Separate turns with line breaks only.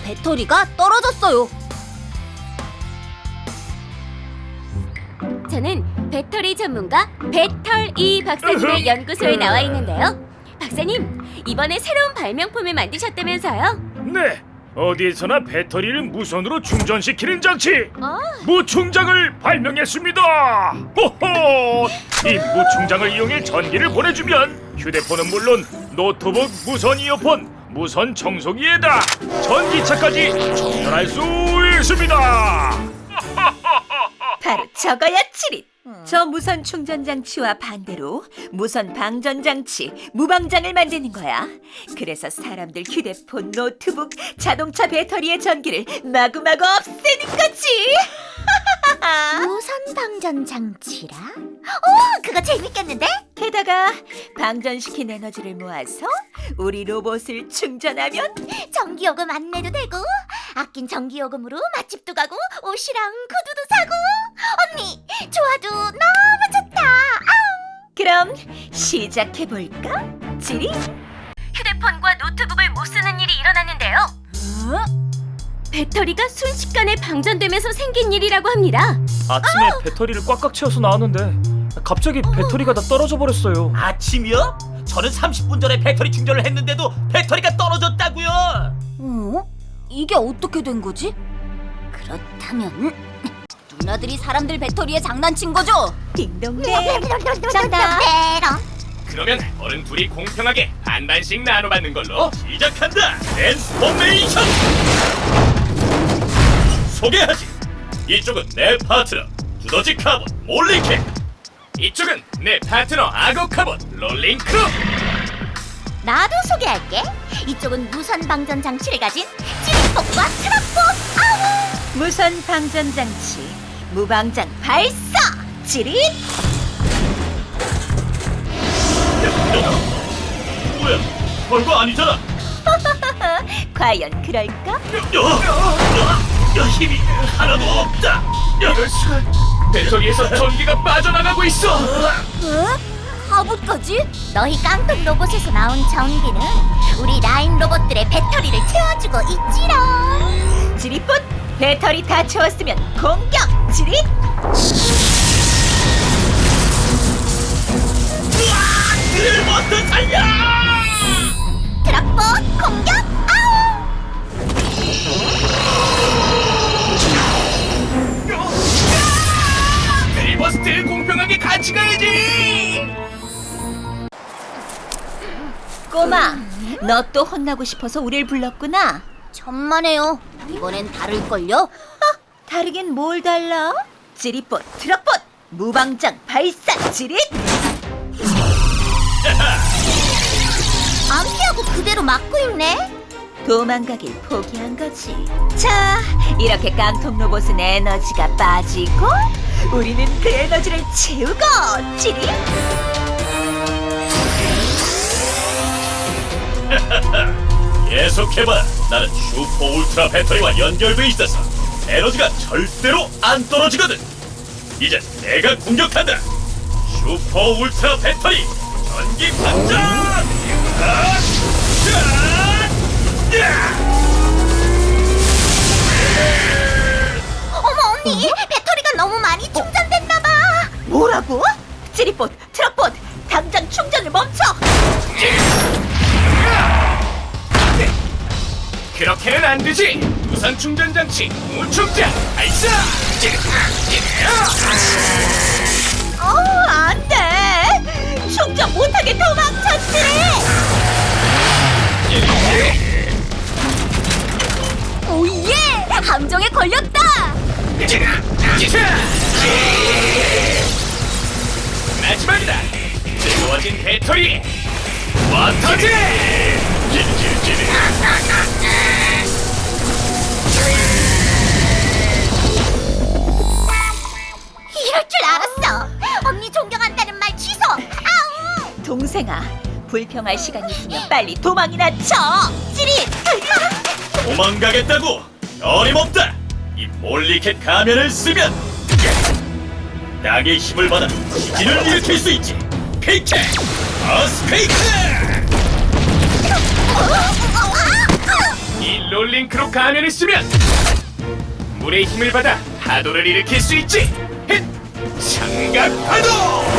배터리가 떨어졌어요.
저는 배터리 전문가 배털이 박사님의 연구소에 나와 있는데요. 박사님, 이번에 새로운 발명품을 만드셨다면서요?
네, 어디에서나 배터리를 무선으로 충전시키는 장치
아,
무충장을 발명했습니다. 호호! 이 무충장을 이용해 전기를 보내주면 휴대폰은 물론 노트북 무선 이어폰, 무선 청소기에다 전기차까지 충전할 수 있습니다.
바로 저거야, 치릿. 저 무선 충전 장치와 반대로 무선 방전 장치, 무방장을 만드는 거야. 그래서 사람들 휴대폰, 노트북, 자동차 배터리의 전기를 마구마구 없애는 거지.
무선 방전 장치라? 오, 그거 재밌겠는데?
게다가 방전시킨 에너지를 모아서 우리 로봇을 충전하면
전기요금 안 내도 되고, 아낀 전기요금으로 맛집도 가고 옷이랑 구두도 사고. 언니, 좋아도 너무 좋다. 아우.
그럼 시작해볼까? 지리?
휴대폰과 노트북을 못 쓰는 일이 일어났는데요. 배터리가 순식간에 방전되면서 생긴 일이라고 합니다.
아침에 배터리를 꽉꽉 채워서 나왔는데 갑자기 배터리가 다 떨어져 버렸어요.
아침이요? 저는 30분 전에 배터리 충전을 했는데도 배터리가 떨어졌다고요.
이게 어떻게 된 거지? 그렇다면 누나들이 사람들 배터리에 장난친 거죠?
딩동댕. 정답.
그러면 어른 둘이 공평하게 반반씩 나눠받는 걸로 시작한다. 트랜스포메이션! 소개하지. 이쪽은 내 파트너 두더지 카본 몰링캣, 이쪽은 내 파트너 악어 카본 롤링 크루.
나도 소개할게. 이쪽은 무선 방전 장치를 가진 찌릿복과 트럭복. 아우!
무선 방전 장치, 무방장 발사. 지릿.
뭐야? 별거 아니잖아.
과연 그럴까?
힘이 하나도 없다. 이럴 수가. 배터리에서 전기가 빠져나가고 있어.
하부까지? 너희 깡통 로봇에서 나온 전기는 우리 라인 로봇들의 배터리를 채워주고 있지롱.
지릿봇, 배터리 다 채웠으면 공격. 지릿.
드릴버스 살려!
트럭봇 공격. 아우!
드릴버스트 공평하게 같이 가야지.
꼬마, 너 또 혼나고 싶어서 우릴 불렀구나.
천만에요. 이번엔 다를걸요?
다르긴 뭘 달라? 지릿봇, 트럭봇, 무방장 발사. 지릿.
안 피하고 그대로 막고 있네.
도망가길 포기한 거지. 자, 이렇게 깡통 로봇은 에너지가 빠지고 우리는 그 에너지를 채우고. 지릿.
계속해봐. 나는 슈퍼 울트라 배터리와 연결돼 있어서 에너지가 절대로 안 떨어지거든. 이제 내가 공격한다. 슈퍼 울트라 배터리 전기 방전!
어머 언니, 배터리가 너무 많이 충전됐나봐.
뭐라고? 지릿봇, 트럭봇, 당장 충전을 멈춰.
그렇게는 안 되지. 무선 충전 장치 무충전 발사!
안 돼. 충전 못하게 도망쳤지.
오예! 함정에 걸렸다.
마지막이다. 뜨거워진 배터리 워터지!
이럴 줄 알았어. 언니 존경한다는 말 취소. 아우!
동생아, 불평할 시간 있으면 빨리 도망이나 쳐. 찌릿.
도망가겠다고? 어림없다. 이 몰리캣 가면을 쓰면 낙의 힘을 받아 지진을 일으킬 수 있지. 페이크! 어스페이크! 이 롤링크로 가면을 쓰면 물의 힘을 받아 파도를 일으킬 수 있지. 헷! 삼각파도!